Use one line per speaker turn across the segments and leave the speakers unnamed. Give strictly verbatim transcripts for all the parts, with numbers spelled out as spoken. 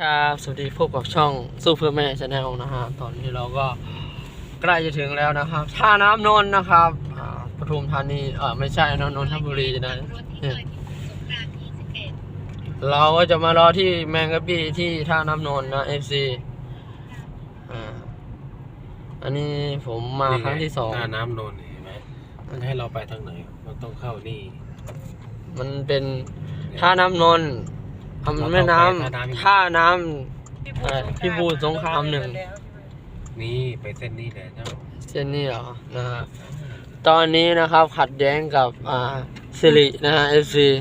ครับสวัสดีพบกับช่องซูเปอร์แมนชาแนลนะฮะตอนนี้เราก็ใกล้จะถึงแล้วนะครับท่าน้ำนนท์นะครับปทุมธานีเออไม่ใช่นนนทบุรีนะเราก็จะมารอที่แมงกะบี้ที่ท่าน้ำนนท์นะเอฟซีอ่าอันนี้ผมมาครั้งที่สอง
ท่าน้ำนนท์เห็นไหมมันให้เราไปทางไหนมันต้องเข้านี่
มันเป็นท่าน้ำนนท์มันแม่น้ำท่าน้ำพิบูลสงครามหนึ่ง
นี่ไปเส้นนี้แหละเจ้า
เส้นนี้เหรอนะฮะตอนนี้นะครับขัดแย้งกับอ่าสิรินะฮะเอฟซี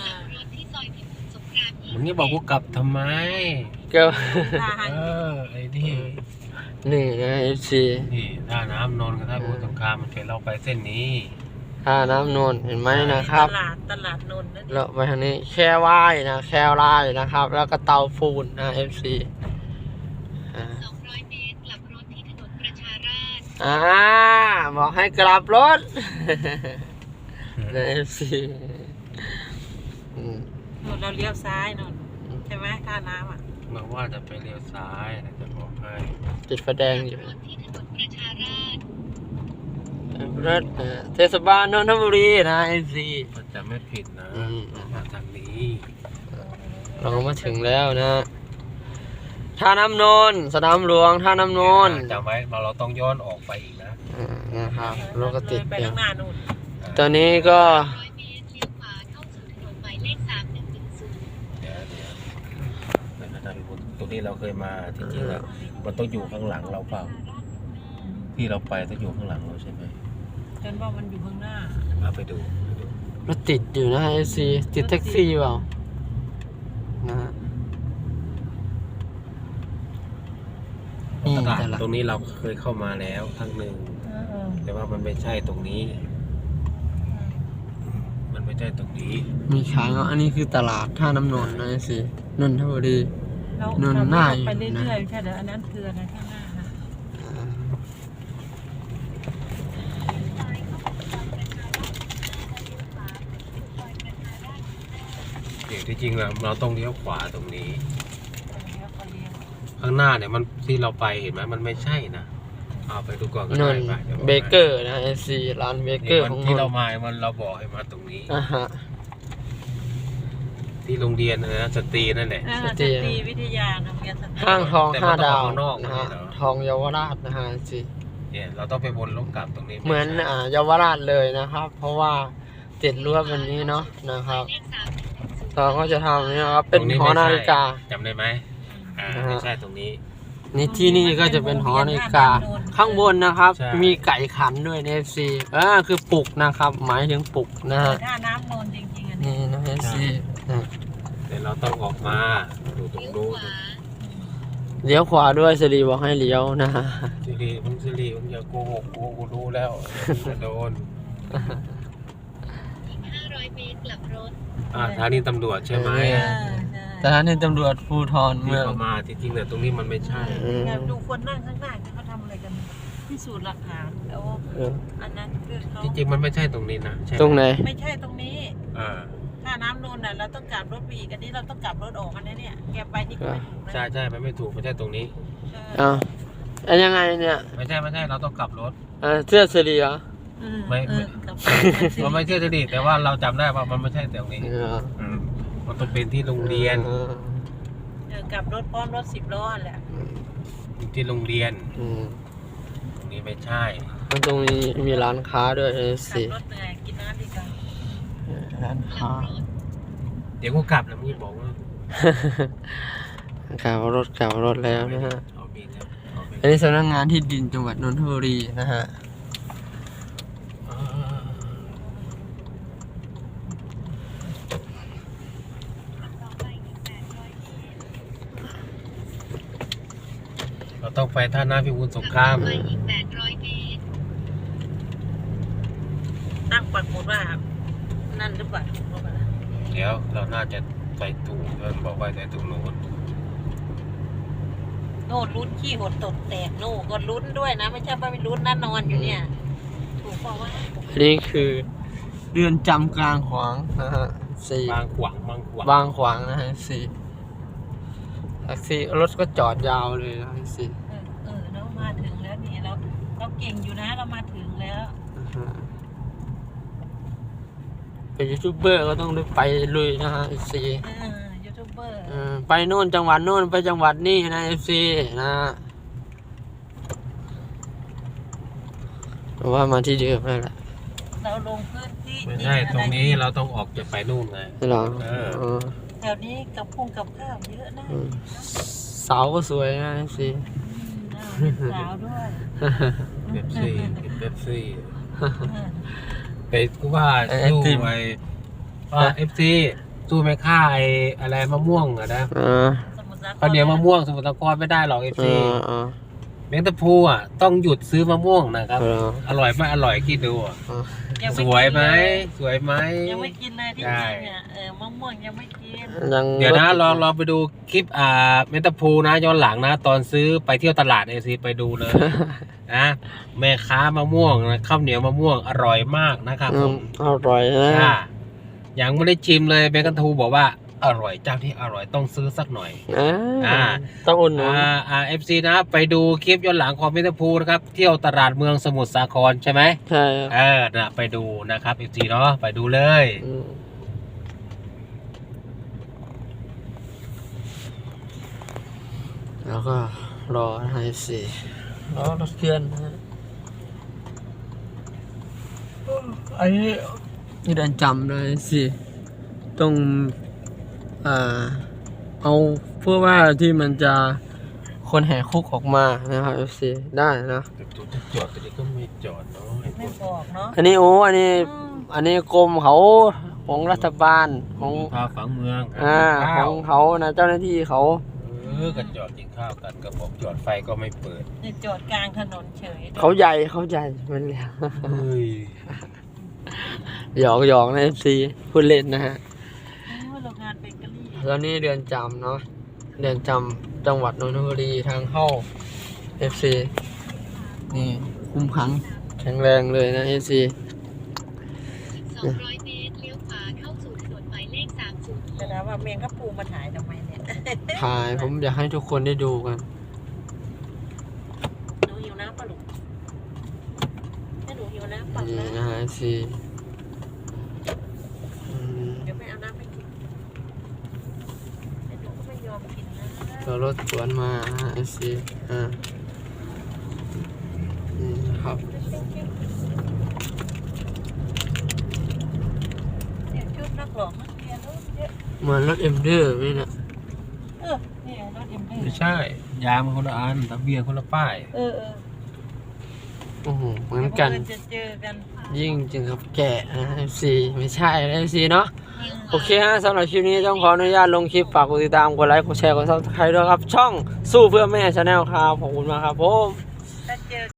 มึงนี่บอกกูกลับทำไม
ก็
เออไอ้นี่
นี่นะเอฟซี
นี่ท่าน้ำนนท์กับท่าพิบูลสงครามมันเชิญเราไปเส้นนี้
ท่าน้ำนนท์เห็นไหมนะครับ
ตลาดตลาดนนท์นั่น
เราไปทางนี้แค่ว่ายนะแค่ว่ายนะครับแล้วก็เตาฟูนนะเอฟซี
สองร้อยเมตรกลับรถที่ถนนประชาราษฎร์
อ่าบอกให้กลับรถนะเอฟซี
เราเลี้ยวซ้ายนนใช่ไหมท่าน้ำอ่ะ
มาว่าจะไปเลี้ยวซ้ายจะบอกให้
ติดไฟแดงอยู่
ที่ถนนประชาราษฎร์
รถเทศบาลนนทบุรีนะเอฟซี
มันจะไม่ผิดนะมาทางนี้
เรามาถึงแล้วนะท่าน้ำนนท์สนามหลวงท่าน้ำนนท์
จำไว้เราต้องย้อนออกไปอีกนะ
นะครับรถก็ติด
ไปข้างหน้านู่น
ตอนนี้ก็
ตรงนี้เราเคยมาจริงๆแล้วมันต้องอยู่ข้างหลังเราเปล่าที่เราไปต้องอยู่ข้างหลังเราใช่ไหม
ฉันว่ามันอยู่ข้างหน้า
เอาไปดู
รถติดอยู่นะเอซีติดแท็กซี่เปล่านะฮะ
ตลาดตรงนี้เราเคยเข้ามาแล้วครั้งหนึ่งแต่ว่ามันไม่ใช่ตรงนี้มันไม่ใช่ตรงนี้
มีขายเนาะอันนี้คือตลาดท่าน้ำนนท์นะเอซีนนทบุรีนนท์หน้า
ไปเรื่อยๆใช่เดี๋ยวอันนั้นคืออะไรข้างหน้านะ
เดี๋ยวที่จริงเราเราต้องเลี้ยวขวาตรงนี้ข้างหน้าเนี่ยมันที่เราไปเห็นไหมมันไม่ใช่นะเอาไปดูก่อนก็ได้ไป
เบเกอร์นะเอซีร้านเบเกอร์ของ
ที่เรามามันเราบอกให้มาตรงนี้
อ่าฮะ
ที่โรงเรียนนะสตรีนั่นแหละ
สตรีวิทยาโรงเรียนสตรี
ห้างทองห้าดาวนะฮะทองเยาวราชนะฮะสิ
เนี่ยเราต้องไปวนลงกลับตรงนี้
เหมือนอ่าเยาวราชเลยนะครับ เพราะว่าติดรั้วแบบนี้เนาะนะครับเราก็จะทำนี่ครับเป็นหอนาฬิกา
จำได้ไหมอ่าไม่ใช่ตรงนี้
นี่ที่นี่ก็จะเป็นหอนาฬิกาข้างบนนะครับมีไก่ขันด้วยในเอฟซีอ่าคือปลุกนะครับหมายถึงปลุกนะฮะ
ท่าน้ำนนจริงๆอัน
นี้นะเอฟซี
เดี๋ยวเราต้องออกมาดูตรงนู้น
เลี้ยวขวาด้วยสิริบอกให้เลี้ยวนะฮะ
สิริมึงสิริมึงอย่าโกหกกูกูรู้แล้วจะโดน
ห้าร้อยเมตรกลับรถ
อ่าสถานีตำรวจใช่ไหม
สถานีตำรวจภูธร
เมืองมาจริงๆเนี่ยตรงนี้มันไม่ใช่
ดูคนนั่งข้างหน้าเขาทำอะไรกันพิสูจน์หลักฐานแล้วอันนั้นคือเขา
จริงๆมันไม่ใช่ตรงนี้นะ
ตรงไหน
ไม่ใช่ตรงนี้ถ้าน้ำนนท์น่ะเราต้องกลับรถปีกอันนี้เราต้องกลับรถออกอันนี้เนี่ยแกไปนี่ก็ไม่ถูก
ใช่ใช่มันไม่ถูกไม่ใช่ตรงนี้
อ้าวอันยังไงเนี่ย
ไม่ใช่ไม่ใช่เราต้องกลับรถ
อ่าเสื้อสิริเหรอ
ไม่มันไม่ใช่สิริแต่ว่าเราจำได้ว่ามันไม่ใช่ตรงนี้มันต้องเป็นที่โรงเรียน
กลับรถพร้อมรถสิบล้อแหละ
ที่โรงเรียนตรงนี้ไม่ใช่
มันตรงนี้มีร้านค้าด้วยสิ
รถเหนื่อยกินน้ำดีกว่า
ร้านค้า
เดี๋ยวกูกลับแล้วมึงบอกว่
ากลับรถกลับรถแล้วนะฮะอันนี้สำนักงานที่ดินจังหวัดนนทบุรีนะฮะ
เราต้องไปท่าน้ำพิบูลสงคราม
ตั้งปักหมุดว่านั่นหรือเปล่า
เดี๋ยวเราน่าจะไปถูกเพื่อนบอกว่าไปตรงโน้น
โน่นลุ้นขี้หดตดแตกโน่ก็ลุ้นด้วยนะไม่ใช่ว่าไม่ลุ้นนั่นนอนอยู่เนี่ยถูกบอกว่า
นี่คือเรือนจำกลางขวางนะฮะสี่
บางขวางบางขวาง
บางขวางนะฮะสี่แท็กซี่รถก็จอดยาวเลยนะแท็กซี่
เออเออเรามาถึงแล้วนี่เราเราเก่งอยู่นะเรามาถึงแล้ว
เป็นยูทูบเบอร์ก็ต้องได้ไปลุยนะฮะแท็กซี่
เออยูทูบเบอร์
เออไปโน่นจังหวัดโน่นไปจังหวัดนี่นะเอฟซีนะแต่ว่ามาที่เดิมนั่นแหละ
เราลงพื้นที่
ไม่ใช่ตรงนี้เราต้องออกจะไปนู่นไง
นี่เหรอ
เออ
เออ
แถวนี้กับพุ่งกับข้าวเยอะนะ
อืมเสาก็สวยนะเอฟซี
อืมน่าเป็นสาวด้วย
เป๊ปซี่กินเป๊ปซี่
เออ
ไปกูว่าสู้ไอ้ว่าเอฟซีสู้ไม่ฆ่าไอ้อะไรมะม่วงอะนะ
เออ
สมุทรสาคร
ข้าวเหนียวมะม่วงสมุทรสาครไม่ได้หรอกเอฟ
เอ
ซี
อเออ
แมงตะพูอ่ะต้องหยุดซื้อมะม่วงนะครับ
เออ
อร่อยไม่อร่อยคิดดูอะ
เออ
ยัง
ส
กิน
วยไหม
เลย
สวยไหม
ยังไม่กินเลยที่
ได้
จริงอ่ะเออมะม่วงยังไม่กิน
ยัง
เดี๋ยวนะลองลองไปดูคลิปอ่าแมงตะพูนะย้อนหลังนะ ตอนซื้อไปเที่ยวตลาดเอซีไปดูเลย นะแม่ค้ามะม่วงนะข้าวเหนียวมะม่วงอร่อยมากนะครับ
อื
ผม ม
อร่อยนะ
อ่ายังไม่ได้ชิมเลยแมงตะพูบอกว่าอร่อยเจ้าที่อร่อยต้องซื้อสักหน่อย
อ่า
อ่า
ต้องอุ่นหนุน
อ่าอ่าเอฟซีนะไปดูคลิปย้อนหลังของแมงตะพูนะครับเที่ยวตลาดเมืองสมุทรสาครใช่ไหม
ใช่ครับ
เออนะไปดูนะครับเอฟซีเนาะไปดูเลย
อืมแล้วก็รอให้สี่รอรถเคลื่อนนะฮะไอ้นี่นี่เดินจำเลยสิต้องอ่าเอาเพื่อว่าที่มันจะคนแห่คุกออกมานะครับ เอฟ ซี ได้นะ
แต่ตัวจะจอดแต่นี่ก็ไม่จอดเนาะไอ้พ
ไม่
วก
บอกเนาะ
อันนี้โอ้อันนี้
อืม
อันนี้กรมเขาของรัฐบาลของ
พาฝังเมือง
อ่า
กิน
ข
ข้า
อ
ว
งเขานะเจ้าหน้าที่เขา
เออก็จอดกินข้าวกันก็บอกจอดไฟก็ไม่เปิด
เนี่ยจอดกลางถนนเฉย
เขาใหญ่เขาใหญ่มันเลย
เฮ้ย
หยอกหยอกนะเอฟซีพูดเล่นนะฮะ
โอ้ยโรงงานเบเกอรี่
แล้วนี่เรือนจำเนาะเรือนจำจังหวัดนนทบุรีทางเข้าเอฟซีนี่คุ้มขังแข็งแรงเลยนะเอฟซี
สองร้อยเมตรเลี้ยวขวาเข้าสู่ถนนหมายเลขสามศูนย์
แต่นะว่าเมียงกระปูมาถ่ายทำไมเนี่ย
ถ่ายผมอยากให้ทุกคนได้ดูกัน
หนูหิวน้ำปะลูกถ้าหนูหิวน้ำปัก
นี่
นะ
นะฮะเอฟซีอืม
เดี๋ยวไม่เอาน้ำให้กินแต่หนูก็ไม่ยอมกินนะ
เรารถสวนมาฮะเอฟซีอ่านี่นะครับ
เนี่ยชุดนักหลอกนักเรียนเนอะเยอะ
เหมือนรถเอ็มเดอร์ไหมเนี่ย
เออเนี่ยรถเอ็มเอ
ไม่ใช่ยางมันคนละอันทะเบียนคนละป้าย
เออเออ
โอ้โหเหมือนกัน
เดี๋ยวบังเอิญจะเจอกัน
ยิ่งจึงกับแกะนะ เอฟ ซี ไม่ใช่นะ เอฟ ซี เนาะโอเคฮะสำหรับคลิปนี้ต้องขออนุญาตลงคลิปฝากกดติดตามกดไลค์กดแชร์กดซับสไครต์ด้วยครับ ช่องสู้เพื่อแม่ชาแนลครับ ขอบคุณมากครับผม
ถ้าเจอ